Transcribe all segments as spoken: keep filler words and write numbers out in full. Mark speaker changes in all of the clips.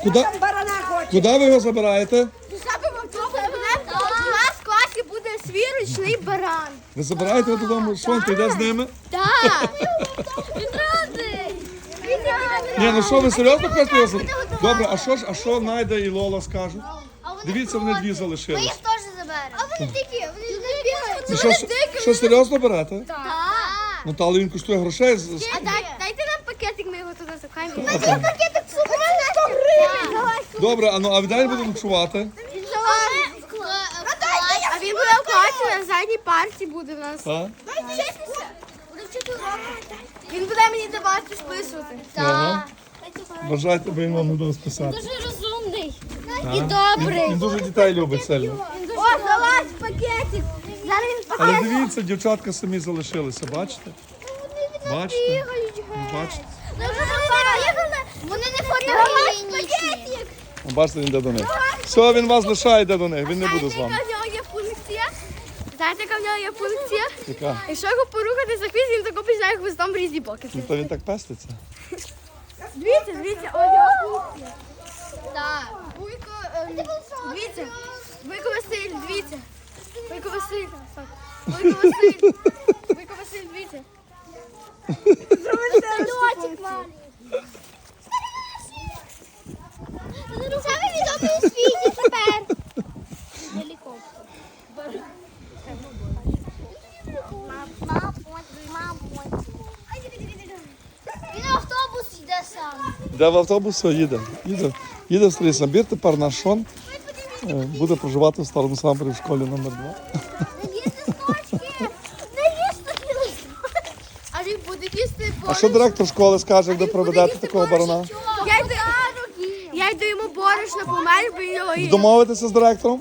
Speaker 1: Куди,
Speaker 2: Там барана хоче.
Speaker 1: куди ви його забираєте?
Speaker 3: У нас в класі буде свій ручний баран.
Speaker 1: Ви забираєте його додому, що він прийде з ними?
Speaker 3: Так. Він радий. Він радий.
Speaker 1: Ні, ну що, ви серйозно хочете його забрати? Добре, а що ж, а що Найда і Лола скажуть? Дивіться, вони дві залишились.
Speaker 3: теж заберемо. А вони дикі, вони не бігають.
Speaker 1: Ну, що, що серйозно берете?
Speaker 3: Так.
Speaker 1: Ну, та але він коштує грошей. з- з-
Speaker 3: А дай- дайте нам пакетик, ми його туди запхаємо.
Speaker 1: Ага.
Speaker 3: Пакетик сто гривень.
Speaker 1: Добре, а ну а де він буде ночувати?
Speaker 3: А він буде в класі, на задній парті буде в нас.
Speaker 1: Так?
Speaker 3: Він буде мені давати списувати.
Speaker 1: Ага. Бажайте, бо він вам буде списати.
Speaker 3: Дуже розумний.
Speaker 1: І добрий. Він дуже дітей любить сильно.
Speaker 3: О, залазь в пакетик. Зараз він
Speaker 1: Але дивіться, дівчатка самі залишилися, бачите? Бачите? Бачите?
Speaker 3: Вони не фотогенічні.
Speaker 1: О, бачите, він йде до них. Все, він вас лишає, йде до них, він не буде з
Speaker 3: Знаєте,
Speaker 1: вами.
Speaker 3: яка в нього є функція? Знаєте, яка в нього є функція?
Speaker 1: Яка?
Speaker 3: Якщо його порухати за хвіст, він тако починає хвостом в різні боки.
Speaker 1: Ну, то він так пеститься.
Speaker 3: Дивіться, дивіться, о, його функція. Так. Вуйко, ем, дивіться. Вуйко Василь, дивіться. Вуйко Василь. Так. Вуйко Василь. Вуйко Василь, дивіться. Садочок маленький. Самий відомий у світі тепер. Гелікоптер. Він на автобус йде сам.
Speaker 1: Де в автобус, все, їде. Їде, їде в старий Самбір, тепер наш Шон е, буде проживати в старому Самбірі в школі номер два.
Speaker 3: Не їсти сночки! Не їсти листочки! А він буде їсти
Speaker 1: А що директор школи скаже, як ви проведете такого барана?
Speaker 3: Я йду, я йду йому борошно помелю, бо він його їсть.
Speaker 1: Домовитеся з директором?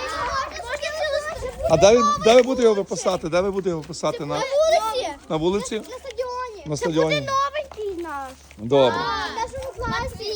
Speaker 1: А де, ви- де ви будете його виписати? Де ви будете його виписати? На,
Speaker 3: Вулиці!
Speaker 1: на вулиці?
Speaker 3: На стадіоні.
Speaker 1: На стадіоні.
Speaker 3: Новенький наш.
Speaker 1: Добре.
Speaker 3: В нашому класі.